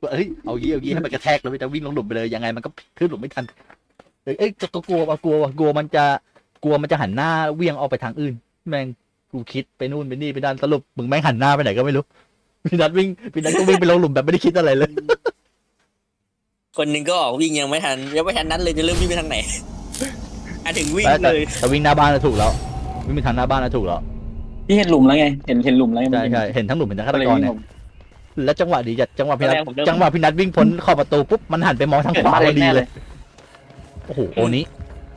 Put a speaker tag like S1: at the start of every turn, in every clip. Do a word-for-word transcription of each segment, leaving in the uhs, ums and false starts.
S1: เอ้ยเอางี้เอางี้ให้มันกระแทกแล้วมันจะวิ่งลงหลุมไปเลยยังไงมันก็ขึ้นหลุมไม่ทันเอ้ยเอ้ยก็กลัวว่ากลัวว่ากลัวมันจะกลัวมันจะหันหน้าเวี่ยงออกไปทางอื่นแม่งกูคิดไปนู่นไปนี่ไปด้านสรุปมึงแม่งหันหน้าไปไหนก็ไม่รู้พี่นัทวิ่งพี่นัทก็วิ่งไปลงหลุมแบบไม่ได้คิดอะไรเลย
S2: คนหนึ่งก็ออกวิ่งยังไม่ทันยังไม่ทันนั้นเลยจะเริ่มวิ่งไปทางไหนอ่ะถึงวิ่ง
S1: แต่
S2: เลย
S1: แต่วิ่งหน้าบ้านน่ะถูกแล้ววิ่งไปทางหน้าบ้านน่ะถูกแล้ว
S3: พี่เห็นหลุมแล้วไงเห็นเห็นหลุมแล้วไง
S1: ใช่ใช่เห็นทั้งหลุมเห็นทั้งฆาตกรเนี่ย
S3: ผม
S1: แล้วจังหวะดีจัดจังหวะพี่นัท
S2: แรกผมเริ่ม
S1: จังหวะพี่นัทวิ่งพ้นขอบประตูปุ๊บมันหันไปมองทางขวาพอดีเลยโอ้โหโอนี้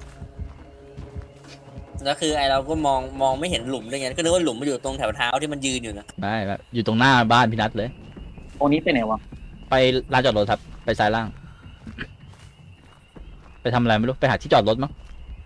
S2: แล้วคือไอเราก็มองมองไม่เห็นหลุมด้วยไงก็นึกว่าหลุมมันอยู่ตรงแถวเท้าที่มันยืนอยู่นะ
S1: ไม่แบบอยู่ตรงหน้าบ้านพี่นัทเลย
S3: โอ้นี้ไปไหนวะ
S1: ไปลานจอดรถครับไปซ้ายล่าง ไปทำอะไรไม่รู้ไปหาที่จอดรถมั้ง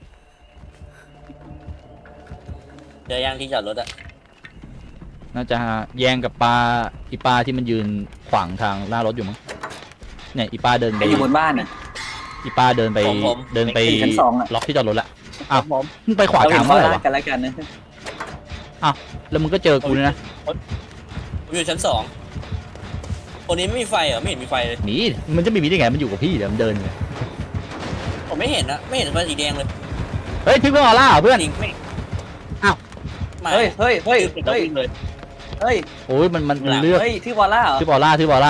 S2: เจอยางที่จอดรถอะ
S1: น่าจะแย่งกับปลาอีปลาที่มันยืนขวางทางหน้ารถอยู่มั้งเนี่ยอีปลาเดิน
S3: ใค
S1: ไป
S3: รอยู่บนบ้านน่ะ
S1: อีปลาเดินไปเดินไป
S3: อยู่ชั้นสองอะ
S1: ล็อกที่จอดรถละ อ้าว
S3: ผม
S1: มึงไปขวา
S3: เรา
S1: ก
S3: เห็
S1: ลาง
S3: น
S1: เมื่อไหร่
S3: เขา
S1: วะ
S3: กันแล้วกันนะ
S1: แล้วมึงก็เจอกูเนี่ยนะ
S2: ผมอยู่ชั้นสองคนนี้ไม่มีไฟเหรอไม่เห็นมีไฟเลย
S1: หนีมันจะไม่มีได้ไงมันอยู่กับพี่เดี๋ยวมันเดินไง
S2: ผมไม่เห็นนะไม่เห็นไฟสีแดงเลย
S1: เฮ้ยทิปเปอร์ออร่าเหรอเพื่อน
S2: จริงไม่
S1: อ้าว
S2: มา
S3: เฮ้ยเฮ้ยเฮ้ย
S2: คือ
S3: เฮ้ย
S2: วิ่งเลย
S3: เฮ้ย
S1: โอ้ยมันมันมันเลือก
S3: เฮ้ยที่วอลล่าเหรอ
S1: ทิปเปอร์ออร่าทิปเปอร์ออร่า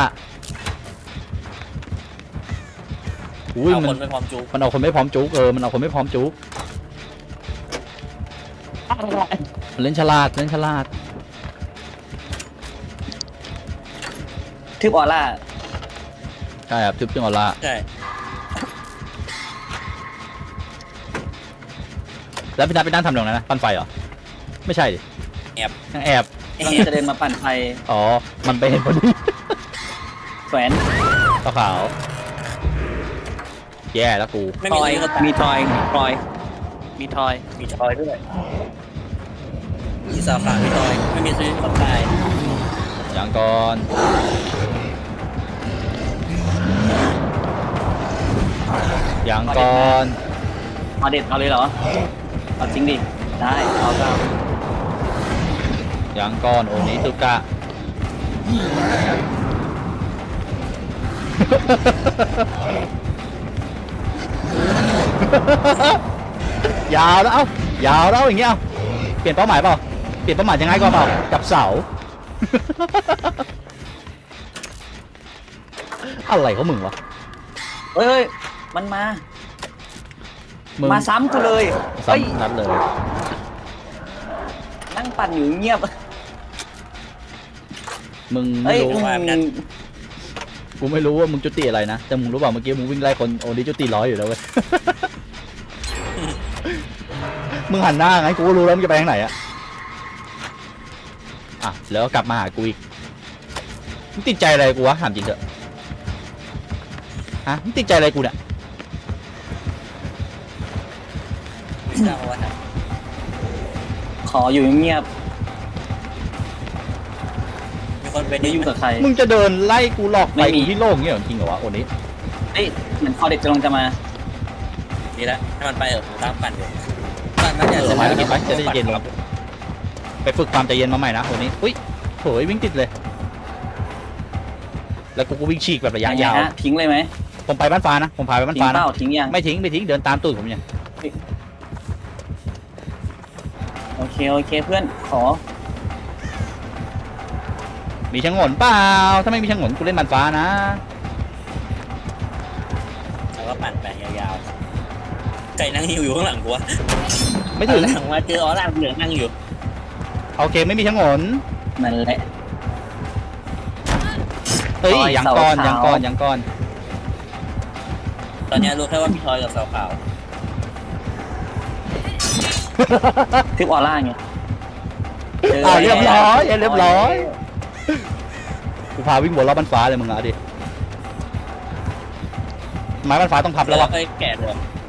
S1: อุ้ย
S2: เอา
S1: มั
S2: คน นไปพร้อมจู
S1: มันเอาคนไม่พร้อมจุกเออมันเอาคนไม่พร้อมจุกมันเล่นฉลาดเล่นฉลาด
S3: ที่วอลล่า
S1: ใช่ครับทิปเปอร์ออร่า
S2: ใช่
S1: แล้วพี่นัทไปนั่งทำตรงนั้นนะปั้นไฟเหรอไม่ใช่ดิยังแอบ
S3: กำลังจะเดินมาปั่นไฟ
S1: อ๋อมันไปเห็นพอดี
S3: แขวน
S1: ขาวขาวแย่แล้วกู
S2: ไม่
S3: ท
S2: มี
S3: อย
S2: ซื้อก็ตาย
S3: มีทอยมีทอยมีทอย
S2: มีทอยด้วยมีสาขามีทอยไม่มีซื้อก็ตาย
S1: อย่างก่อนอย่างก่อน
S3: เอาเด็ดเอาเลยเหรอเอาจริงดิได้เอาก็เอา
S1: อย่างก่อนโอนี้ตุกะ ยาวแล้วเอ้ายาวแล้วอย่างเงี้ยเอาเปลี่ยนเป้าหมายเปล่าเปลี่ยนเป้าหมายยังไงก็เปล่าจับเสา อะไรเขามึงวะ
S3: เฮ้ยเฮ้ยมันมา
S1: มึง
S3: มาซ้ำกูเลยเฮ้ย
S1: ซ้ำนัดเลย
S3: นั่งปั่นอยู่เงียบ
S1: มึง
S3: เฮ้
S1: ไม่
S3: ย
S1: รู้
S3: อืม
S1: กูไม่รู้ว่ามึงจุติอะไรนะแต่มึงรู้เปล่าเมื่อกี้มึงวิ่งไล่คนโอนี้จุติร้อยอยู่แล้วเว้ย มึงหันหน้าไงกูก็รู้แล้วมึงจะไปทางไหนอะอ่ะแล้วกลับมาหากูอีกมึงติดใจอะไรกูวะถามจริงเถอะฮะมึงติดใจอะไรกูเนี่ย
S2: ไม่ทราบว่าท
S3: ขออยู่เงียบ
S2: ำมีคนเป็น
S3: ไม่ยุ่งกับใคร
S1: มึงจะเดินไล่กูหลอกไป
S3: ไม่มี
S1: ที่โล่งเงี้ยเหรอจริงเหรอวะโอนี้
S3: เฮ้ยเหมือนคอเด็กจะลงจะมา
S2: ดีแล้วให้มันไปเถอะผมตามปั่นอยู่ปั่นมัน
S1: เอ
S2: จะ
S1: อไปไปไปจะได้เย็นลงไปฝึกความใจเย็นมาใหม่นะโอนี้อุ้ยโถยวิ่งติดเลย แล้วกูก็วิ่งฉีกแบบระยะยาว
S3: งไงฮะทิ้งเลยไหม
S1: ผมไปบ้านฟ้านะผมพาไปบ้าน
S3: ทิ้ง
S1: ฟ้า
S3: เป
S1: นะ
S3: ล่าทิ้งยัง
S1: ไม่ทิ้งไม่ทิ้งเดินตามตูดผมเนี่ย
S3: โอเคโอเคเพื่อนขอ
S1: มีชะงนเปล่าถ้าไม่มีชะงนกูเล่นบ้านฟ้านะ
S2: แล้วก็ปั่นไปยาวๆไก่นั่งหิวอยู่ข้างหลังกูวะ
S1: ไม่ถึง
S2: หลังมาเจอออร่าเหลืองนั่งอยู่
S1: โอเคไม่มีชะงน
S3: นั่นแหละ
S1: เฮ้ย
S3: ซอย
S1: ยังก่อน
S3: เสาขาว
S1: ยังก่อนยังก่อน
S2: ตอนนี้รู้แค่ว่าพี่ทอยกับสาวขาว
S3: ทิปออร่าไงจ
S1: อ่าเรียบร้อย
S3: แล้ว
S1: เรียบร้อยกูพาวิ่งวนรอบบ้านฟ้าเลยมึงอะดิไม้บ้านฟ้าต้องพับ
S2: แล้
S1: แล้ว ว
S2: ก็
S1: วะ
S2: ค่อยแกะเลย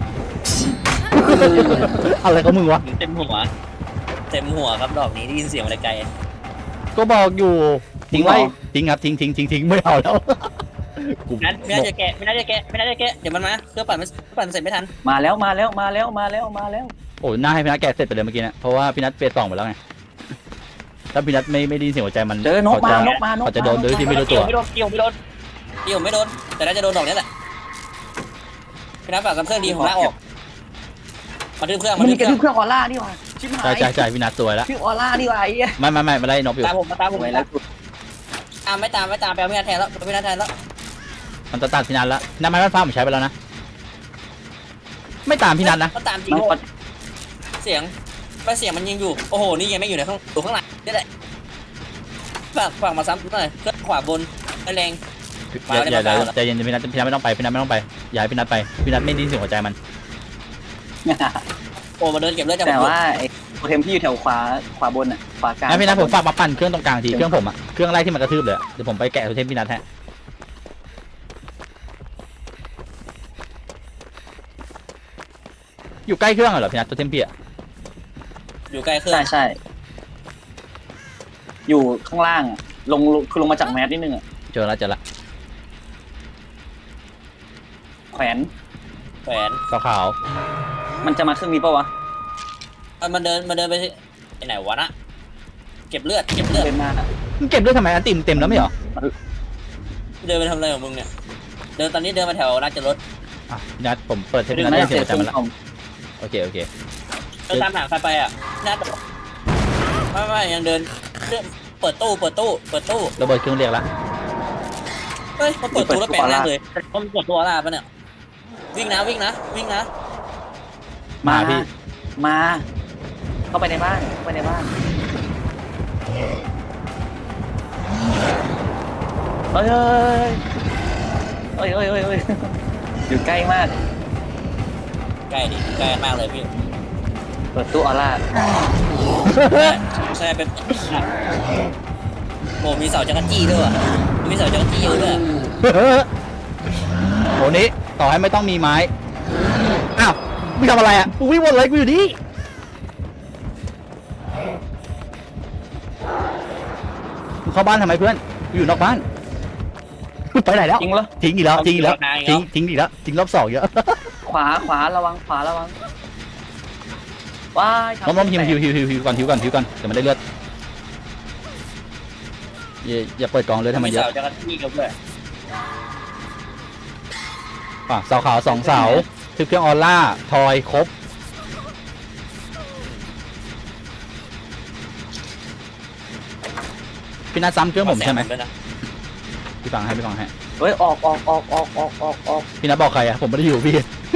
S1: อะไรของมึงวะ
S2: เต็มหัวเต็มหัวครับดอกนี้ได้ยินเสียงอะไรไกล
S1: ก็บอกอยู่ทิ้งไว้ทิ้งครับทิ้งทิ้งทิ้งทิ้งไม่เอาแล้วกู
S2: นัดไม่น่าจะแกะไม่น่าจะแกะไม่น่าจะแกะเดี๋ยวมันมาเครื่องปั่นมันปั่นเสร็จไม่ทัน
S3: มาแล้วมาแล้วมาแล้วมาแล้วมาแล้ว
S1: โอ้หน้าให้พี่นัทแกะเสร็จไปเลยเมื่อกี้นะเพราะว่าพี่นัทเฟสสองไปแล้วไงถ้าพี่นัทไม่ไม่ได้ยินเสียงหัวใจมัน
S3: เจอนก
S1: เขา
S3: มา
S1: จะ
S3: นกมานก
S1: เขาจะโดนโดยที่ไม่รู้ตัว
S2: ไม่โดนเกี่ยวไม่โดนพี่ผมไม่โดนแต่น่าจะโดนดอกนี้แหละพี่นัทฝากกับเครื่องดีผมลากออกมาดึงเครื่อง
S3: มั
S2: มาน ดึ
S3: มี
S2: ง
S3: ก
S2: เค
S3: ระ
S2: รื่อง
S3: ทืบเครื่องออร่านี่หว่าชิบหา
S1: ใช่
S3: ย
S1: ใช่ใช่พี่นัทสวยแล้ว
S3: ชื่อออร่านี่หว่าไอ้เหี้ย
S1: ไม่ไม่ไม่ไม่ไล่นบอยู่
S2: ตามผมมาตามผม
S3: ไว้
S2: มา
S3: แล้ว
S2: ตามไม่ตามไม่ตามไปเอาพี่นัทแทนแล้วพี่นัทแทนแล้ว
S1: มันจะตัดพี่นัทแล้วน้ำมันฟ้าผมใช้ไปแล้วนะไม่ตามพี่นัทนะ
S2: ก็ตามจริง
S3: มันกด
S2: เสียงไม่เสียงมันยิงอยู่โอ้โหนี่ยังไม่อยู่ในข้างอยู่ข้างหลังนี่แหละฝากฝากมาซ้ำหน่อยเครื่องขวาบนไม่แรง
S1: อย่าอย่า
S2: มา
S1: อย่า
S2: แล้ว
S1: ใจเย็นพี่นัทพี่นัทไม่ต้องไปพี่นัทไม่ต้องไปอย่าให้พี่นัทไปพี่นัทไม่ไดยินเสียงหัวใจมัน
S2: โอ้มาเดินเก็บเลือดจาก
S3: แต่
S2: ผม
S3: ว่าไอ้โปรเทมที่อยู่แถวขวาขวาบนอ่ะขวากลาง
S1: งั้นพี่นัทผมฝากมาปั่นเครื่องตรงกลางทีเครื่องผมอะเครื่องไล่ที่มันกระทืบเลยอะเดี๋ยวผมไปแกะโทเทมพี่นัทแฮะอยู่ใกล้เครื่องเหรอพี่นัทโทเทมพี่อะ
S2: อยู่ใกล้เครื่อง
S3: ใช่ใช่อยู่ข้างล่างอะลงลงคือลงมาจากแมสนิดนึงอ่ะ
S1: เจอแล้วเจอแล้ว
S3: แขวน
S2: แขวน
S1: ขาว
S3: มันจะมาเครื่องนี้ปะวะ
S2: เอามันเดินมันเดินไปที่ไปไหนวะนะเก็บเลือดเก็บเลือด
S3: เดินมาอะ
S1: ๆมึงเก็บด้วยทำไมอันติมเต็มแล้วไม่เหรอ
S2: เดินไปทำอะไรของมึงเนี่ยเดินตอนนี้เดินมาแถวราชรถ
S1: อ่ะพี่นัทผมเปิดเทปพี่นัท
S3: น่า
S1: ได้
S3: จะ เสีย
S1: เสียงหัวใจ
S3: เครื่
S1: มั
S3: อน ง
S1: แล้ว
S3: คอม
S1: โอเคโอเค
S2: เดินตามหาใครไปอ่ะน่าจะไม่ไม่ยังเดินเดินเปิดตู้เปิดตู้เปิดตู้
S1: ระเบิดเครื่องเรียกละ
S2: เฮ้ยมันเปิดตู้แล้วแปลงร่างเลยมันเปิดตัวอะไรปะเนี่ยวิ่งนะวิ่งนะวิ่งนะ
S1: มา
S3: มา
S1: พี่
S3: มา เข้าไปในบ้านเข้าไปในบ้านเฮ้ยเฮ้ยเฮ้ยเฮ้ยเฮ้ยเฮ้ยอยู่ใกล้มาก
S2: ใกล้ดิใกล้มากเลยพี่
S3: เปิดตู้ออร่า
S2: ใช่เป็นโอ้มีเสาจักรจี้ด้วยว่ะมีเสาจักรจี้เยอะด้วย
S1: โหนี้ต่อให้ไม่ต้องมีไม้อ้าวมึงทำอะไรอ่ะกูวิ่งวนเลยกูอยู่นี่มึงเข้าบ้านทำไมเพื่อนกูอยู่นอกบ้านไปไหนแล้ว
S3: จริงเหรอ
S1: ทิ้งอีกแล้วทิ้งอีกแล้วทิ้งทิ้งอีกแล้วทิ้งรอบสองเยอะ
S3: ขวาขวาระวังขวาระวังว้ายทำ
S1: ล้มล้มหิว
S3: แต
S1: หิว
S3: ก
S1: หิวหิวหิวก่อนหิวก่อนหิวก่อนเดี๋ยวมันได้เลือดอย่าอย่าเปิดกองเลยทำไม
S2: มี
S1: เยอะ
S2: เสาจักรจี้กับด้วย
S1: อ่ะเสาขาวสองเสาทึบเครื่องออร่าทอยครบพี่นัทซ้ำเครื่องผมใช่ไหม
S2: ด้วยนะ
S1: พี่ฟังให้พี่ฟังให้
S3: เฮ้ยออกออกออกออกออกออกออก
S1: พี่นัทบอกใครอ่ะผมไม่ได้อยู่พี่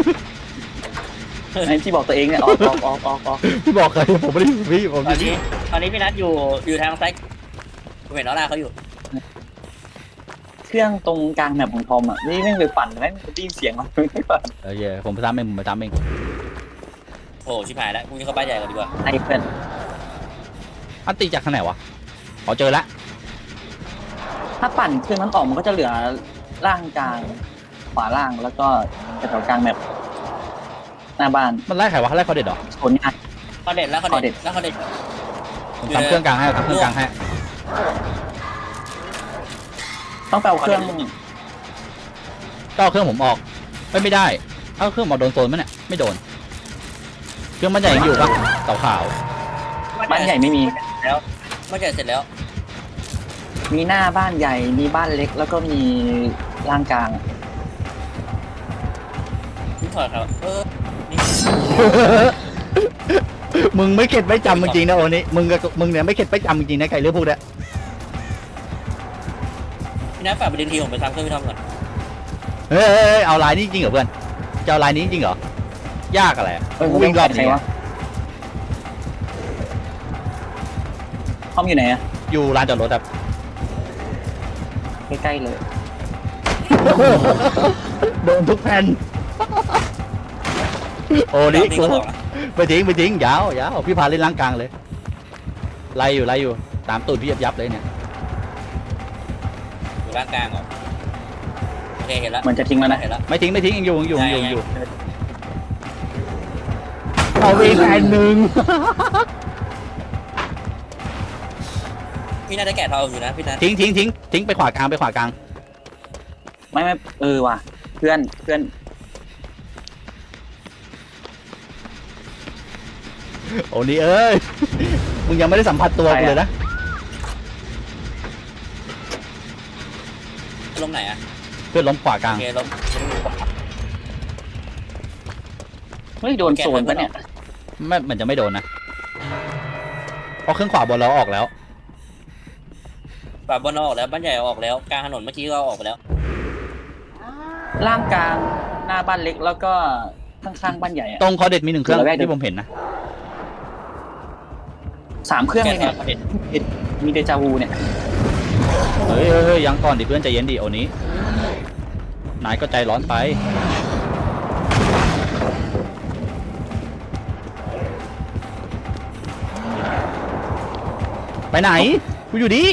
S3: ไอ้ที่บอกตัวเองเนี่ยออกออกออกออกออก
S1: พี่บอกใครผมไม่ได้อยู่พี่ผม
S2: ตอนนี้ตอนนี้พี่นัทอยู่อยู่ทางซ้ายผมเห็นน้องนาเขาอยู่
S3: เครื่องตรงกลางแมปของทอมอ่ะนี่แม่งไปปั่นแม่งได้ยินเสียงมันไม่ปั่น
S1: โอเคผมไปซ้ำเองผมไปซ้ำเอง
S2: โอ้ชิบหายแล้วกูวิ่งเข้าบ้านใหญ่ก่อนดีกว่า
S3: ไอ้เพื่อน
S1: อันตีจากทางไหนวะอ๋อเจอละ
S3: ถ้าปั่นเครื่องนั้นออกมันก็จะเหลือล่างกลางขวาล่างแล้วก็แถวกลางแมปหน้าบ้าน
S1: มันไล่ใครวะไล่เขาเด็ดเหรอ
S3: โซนง่าย
S2: เขาเด็ดแล้วเขาเด็ดแล้วเขาเด็ด
S1: ผมซ้ำเครื่องกลางให้ซ้ำเครื่องกลางให้
S3: ต้องไปเอาเครื่อง
S1: ก็เอาเครื่องผมออกไม่ไม่ได้เอาเครื่องออกโดนโซนมั้ยเนี่ยไม่โดน เครื่องมันใหญ่ยังอยู่ปะเสาขาว
S3: บ้านใหญ่ไม่มี
S2: แล้วบ้านใหญ่เสร็จแล้ว
S3: มีหน้าบ้านใหญ่มีบ้านเล็กแล้วก็มีล่างกลางอะ
S2: พี่ถอดครับเออนี่
S1: มึงไม่เข็ดไม่จำจริงๆนะโอนี้มึงกับมึงเนี่ยไม่เข็ดไม่จำจริงๆนะไก่เรื่องพวกเนี้ย
S2: พี่นัทฝากไปดึงทีผมไปทำเครื่องพี่ทอมก่อน
S1: เฮ้ยเฮ้ยเฮ้ยเอาลายนี้จริงเหรอเพื่อนจะเอาลายนี้จริงเหรอยากอะไรอะ
S3: เอ้ย
S1: กูวิ่งรอบ
S3: ใคร
S1: นี้
S3: วะห้องอยู่ไหนอะ
S1: อยู่ลานจอดรถครับ
S3: ใกล้ๆเลย
S1: โดนทุกแผ่นโอ้นี่
S2: นี่
S1: กู
S2: ก็บอกนะ
S1: ไปทิ้งไปทิ้งยาวยาวพี่พาเล่นล่างกลางเลยไล่อยู่ไล่อยู่ตามตูดพี่ยับยับเลยเนี่ย
S2: อยู่ร่างกลางเหรอโอเคเห็นแล้ว
S3: เหมือนจะทิ้งแล้วนะ
S2: เห็นแล้ว
S1: ไม่ทิ้งไม่ทิ้งยังอยู่ยังอยู่ยังอยู่ยังอยู่
S2: ใช่
S1: เอาอีกแผ่นหนึ่ง
S2: พี่น่าจะแกะทองอยู่นะพี่นัท
S1: ทิ้งทิ้งทิ้งทิ้งไปขวากลางไปขวากลาง
S3: ไม่ไม่เออว่ะเพื่อนเพื่อน
S1: โอ้นี่เอ้ยมึงยังไม่ได้สัมผัสตัวกูเลยนะ
S2: ลงไหนอะ
S1: เพื่อนล้มขวากลาง
S2: โอเคเรา
S3: เฮ้ยโดนโซนปะเนี่ย
S1: ไม่มันจะไม่โดนนะเพราะเครื่องขวาบนเราออกแล้ว
S2: ป่าบอลเราออกแล้วบ้านใหญ่เอาออกแล้วกลางถนนเมื่อกี้ก็เอาออกไปแล้ว
S3: ล่างกลางหน้าบ้านเล็กแล้วก็ข้างๆบ้านใหญ่อะ
S1: ตรงคอเด็ดมีหนึ่งเครื่อง
S3: ระแวกเดิม
S1: ที่ผมเห็นนะ
S3: สามเครื่อง
S2: แก
S3: เลย
S2: น
S3: เนี่ย
S2: เห็น
S3: มีเดจาวูเนี่ย
S1: เฮ้ยเฮ้ยเฮ้ยยังก่อนดิเพื่อนใจเย็นดิโอนี้นายก็ใจร้อนไปไปไหนกูอยู่ดี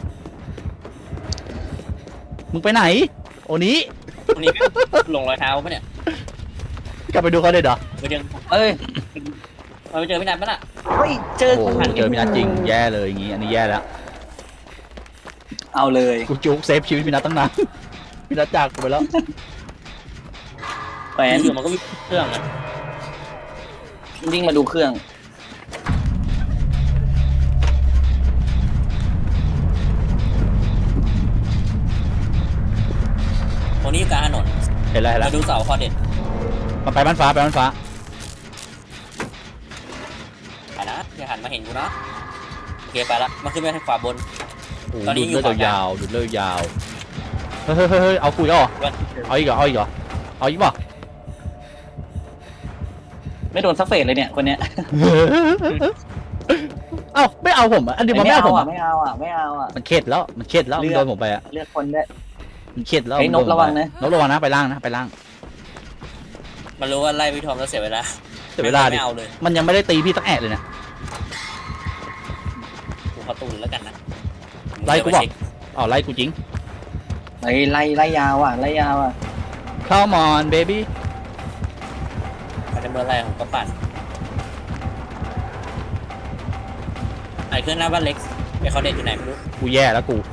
S1: มึงไปไหนโอนี้
S2: ตรงนี้ลงรอยเท้าปะเนี่ย
S1: กลับไปดูเขาเด็ดเหรอ
S2: ไปเจอ
S3: เอ้ย
S2: ไปเจอพี่นัทปะน่ะ
S3: เฮ้ยเจอ
S1: โอ้โหเจอพี่นัทจริงแย่เลยอย่างงี้อันนี้แย่แล้ว
S3: เอาเลย
S1: กูจุกเซฟชีวิตพี่นัทตั้งนาน พี่นัทจากกูไปแล้ว
S3: แฟน
S2: อยู่มันก็มีเครื่องอะ
S3: วิ่งมาดูเครื่อง
S2: ตรงนี้อยู่กลางถนน
S1: เห็นแล้วเห็นแล้
S2: มาว ดูเสาคอเด็ด
S1: มันไปบ้านฟ้าไปบ้านฟ้า
S2: ไปนะอย่าหันมาเห็นกูนะโอเคไปละมาขึ้นไปทางขวาบน
S1: โอ้โห
S2: ตอนนี้
S1: ดูด
S2: อยู่
S1: เลือด
S2: ขวากลาง
S1: ยาวๆดูดเลือดยาวเฮ้ยเฮ้ยเฮ้ยเฮ้ยเอากูอีกแล้วเหรอ
S2: ว่า
S1: เอาอีกเหรอเอาอีกเหรอเอาอีกเปล่ะ
S3: ไม่โดนซักเฟสเลยเนี่ยคนเนี้ย
S1: เอ้าไม่เอาผมอ่ะอันนี้มันไม่เอาผม
S3: อ่ะ
S1: อ่ะ
S3: ไม่เอาอ่ะไม่เอาอ่ะ
S1: มันเข็ดแล้วมันเข็ดแล้ว
S3: เลื
S1: มัน
S3: อก
S1: โดนผมไปอ่ะ
S3: เลือกคนได้
S1: มันเข็ดแล้ว
S3: เฮ้ย
S1: มัโดผม
S3: นบระวัง
S1: ไป
S3: นะ
S1: นบระวังนะไปล่างนะไปล่าง
S2: มันรู้ว่าไล่พี่ทอมแล้วเสียเวลา
S1: เสียเวลาดิ
S2: ไม่เอาเลย
S1: มันยังไม่ได้ตีพี่สักแอะเลยนะ
S2: กูขอตูนแล้วกันนะ
S1: ไล่กูบอก อ๋อไล่กูจริง
S3: ไล่ไล่ไล่ยาวอ่ะไล่ยาวอ่ะ
S1: Come on baby
S2: มันจะเมื่อไรผมก็ปั่นไอ้เครื่องหน้าบ้านเล็กไอ้เขาเด็ดอยู่ไหนไม่รู้
S1: กูแย่แล้วกู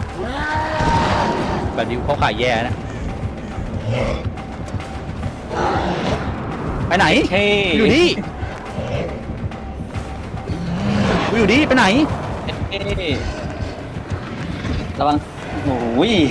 S1: แบบนี้เขาขายแย่นะไปไหน
S3: เฮ้
S1: อยู่นี่กูอยู่นี่ไปไหน
S3: เฮ้ระวังโอ้ย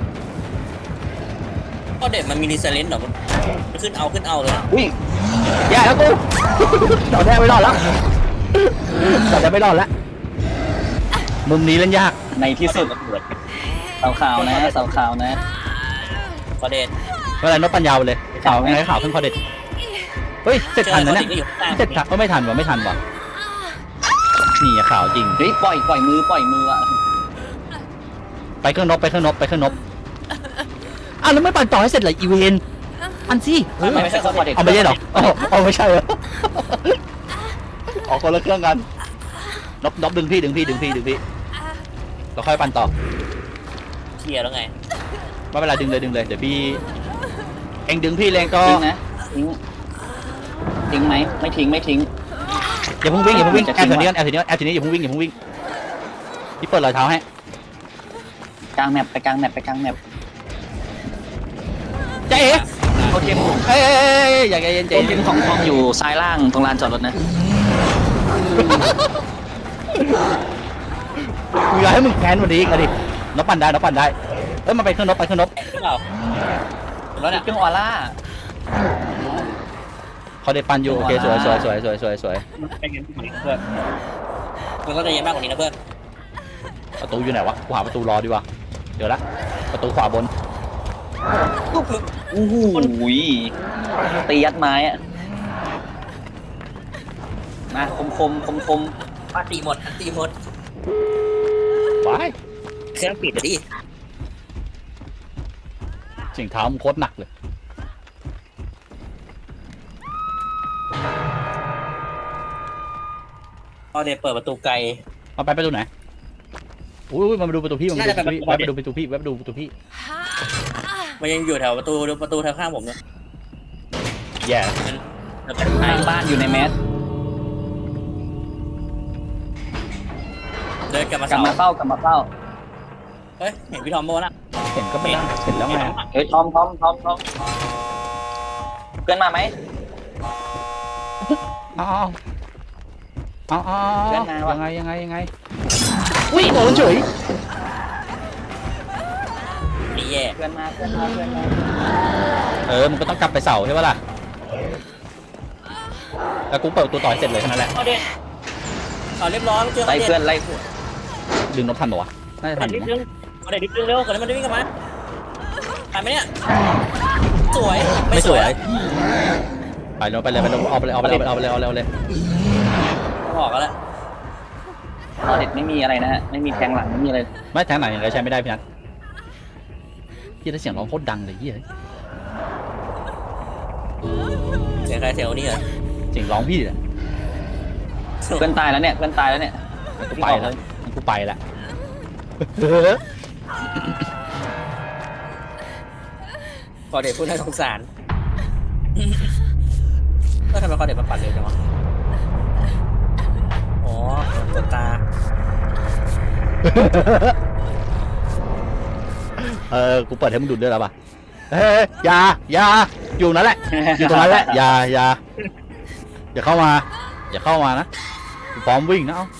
S2: เขาเด็ดมันมีดีเซลเลนเหรอมันขึ้นเอาขึ้นเอาเลย
S3: อุ้ย
S1: แย่แล้วกู เราแน่ไม่รอดแล้วเราจะไม่รอดแล้วมุมนี้เล่นยาก
S3: ในที่สุด
S2: ระเบิด
S3: เสาขาวนะเสาขาวนะ
S2: เขาเด็ด
S1: เมื่อไหรนกปัญญาเลยข่าวไงข่าวขึ้นคอเด็ดเฮ้ยเสร็จทันนะเนี่ย
S2: ก็อยู่ข้างล่าง
S1: เสร็จทันก็ไม่ทันวะไม่ทันวะนี่อะข่าวจริง
S3: เฮ้ยปล่อยปล่อยมือปล่อยมืออ่ะ
S1: ไปเครื่องนบไปเครื่องนบไปเครื่องนบอ้าวแล้วไม่ปั่นต่อให้เสร็จเลยอีเวนอันซี่เออ
S3: ไม่ใช่เขาเด็ก
S1: เอาไม่ใช่เหรออ๋อเอาไม่ใช่เหรอออกคนละเครื่องกันนบนบดึงพี่ดึงพี่ดึงพี่ดึงพี่เราค่อยปั่นต่อ
S2: เคลียร์แล้วไง
S1: ไม่เป็นไรดึงเลยดึงเลยเดี๋ยวพี่เองดึงพี่แรงก็
S3: ทิ้งนะทิ้งทิ้งไหมไม่ทิ้งไม่ทิ้ง
S1: อย่าเพิ่งวิ่งอย่าเพิ่งวิ่ง
S3: จะ
S1: แอ
S3: ทิ้
S1: บ
S3: ง
S1: แถวนี้
S3: วะ
S1: แอบแถวนี้แอบแถวนี้อย่าเพิ่งวิ่งอย่าเพิ่งวิ่งพี่เปิดรอยเท้าให้
S3: กลางแมปไปกลางแมปไปกลางแมป
S1: ใจเอ๋
S3: โอเค
S1: เอ้ยเอ้ยเอ้ยเอ้ยอย่าใจเย็นใจ
S3: โอเค
S1: เย็น
S3: ของทองอยู่ซ้ายล่างตรงลานจอดรถนะ
S1: กูอยากให้มึงแค้นวันนี้อีกอะดินบปั่นได้นบปั่นได้เอ้ยมาไปเครื่องนบไปเครื่องนบ
S2: หรือเปล่าแล้วเนี่ย
S3: เครื่องออร่า
S1: เขาได้ปั่นอยู่โอเคสวยสวยสวยสวยสวยสวย
S2: ใจเย็นกว่านี้นะเพื่อนมันก็ใจเย็นมากกว่านี้นะเพื่อน
S1: ประตูอยู่ไหนวะกูหาประตูรอดีกว่าเดี๋ยวละประตูขวาบน
S3: โอ้โหตียัดไม้อะมาคมคมคมคม
S2: ปาตีหมดตีหมด
S1: ไป
S2: เครื่องปิดเลยดิ
S1: เสียงเท้ามันโคตรหนักเลย
S2: พอเดเปิดประตูไกล
S1: มาไปประตูไหนอุ้ยมาดูประตูพี่มาดูประตูพี่แวะไปดูประตูพี่แวะไปดูประตูพี่
S2: มันยังอยู่แถวประตูประตูทางข้างผมเนี่ย
S1: แย่
S2: มันเป็น
S3: ทางบ้านอยู่ในแมส
S2: เดินกลับมาก
S3: ลับ
S2: เสา
S3: มาเฝ้ากลับมาเฝ้า
S2: เฮ้ยเห็นพี่ทอมโบนะ
S1: เห็นก็ไม่ได้เห็นแล้วไง
S3: เฮ้ยทอมทอมทอมทอมเพื่อนมาไหม
S1: อ๋ออ๋ออ๋อ
S3: เพื่อนมาว่ะ
S1: ยังไงยังไงยังไงอุ้ยโดนเฉย
S2: นี่แย่
S3: เพื่อนมาเพื่อนมาเพื่อนมา
S1: เออมันก็ต้องกลับไปเสาใช่ปะล่ะแล้วกูเปิดประตูต่อให้เสร็จเลยแค่นั้นแหละ
S2: เอาเด็ดเอาเรียบร้อยเจอ
S3: ไล่
S2: เด็ด
S3: เพื่อนไล่เพื่อน
S1: ดึงนบทันปะวะน่าจะทั
S2: เอา
S1: น
S2: เด็ด
S1: นะ
S2: นิดนึงเอาเด็ดนิดนึงเร็วก่อนที่มันจะวิ่งกลับมาทันไหมเนี่ยสวย
S1: ไม่สวย
S2: อะ
S1: ไปเลยไปเลยไปเลยเอาไปเลยเอาไปเลยเอาไปเลยเอาไปเลยเอาไปเลย
S2: บอกแล้วแหละ
S3: ตอนเด็ดไม่มีอะไรนะฮะไม่มีแทงหลังไม่มีอะไร
S1: ไม่ทางไหนอะไรใช้ไม่ได้พี่นัทพี่ได้เสียงร้องโคตรดังเลยเฮีย
S2: เสียงใครเสียงคนนี้เหรอ
S1: เสียงร้องพี่แหละ
S3: เพื่อนตายแล้วเนี่ยเพื่อนตายแล้วเนี่ย
S1: กูไปแล้วกูไปแล้ว
S2: ขอเด็ดพูดน่าสงสารก็ทำไมขอเด็ดมันปัดเร็วจังวะอ๋อกดตา
S1: เออกูเปิดให้มึงดูดด้วยแล้วป่ะเฮ้ยอย่าอย่าอยู่นั่นแหละอยู่ตรงนั้นแหละอย่าอย่าอย่าเข้ามาอย่าเข้ามานะกูพร้อมวิ่งนะเอา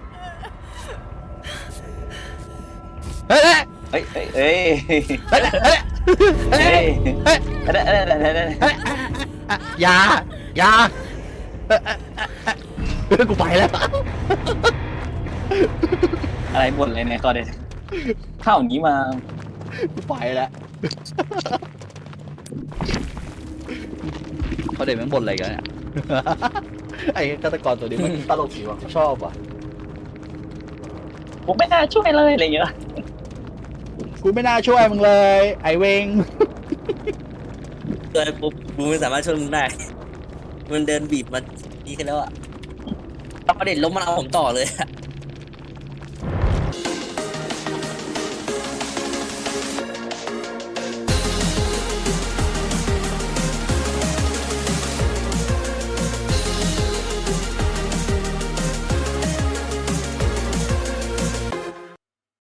S1: เฮ้ยเฮ้ย
S3: เฮ้ยเฮ้ยเฮ้ย
S1: เฮ้ยเฮ้ยเฮ้ย
S3: เฮ้ย
S1: เฮ้ย
S3: เฮ้ยเฮ้ยเฮ้ยเฮ้ยเฮ้ย
S1: เฮ้ยอย่าอย่าเอ้ยเอ้ยเอ้ยกูไปแล้ว
S3: อะไรบ่นเลยเนี่ยตอนเด็ดเข้าอย่างนี้มา
S1: กูไปแล้วเขาเด็กมันบ่นอะไรกันเนี่ย ไอ้ฆาตกรตัวนี้มันตลกดีว่ะชอบว่ะ
S3: ผมไม่น่าช่วยเลยอะไรเงี้ย
S1: กูไม่น่าช่วยมึงเลย ไอ้เวง
S2: เกินปุ๊บกูไม่สามารถช่วยมึงได้ มันเดินบีบมาดีกันแล้วอ่ะเอาประเด็นล้มมันเอาผมต่อเลยอะ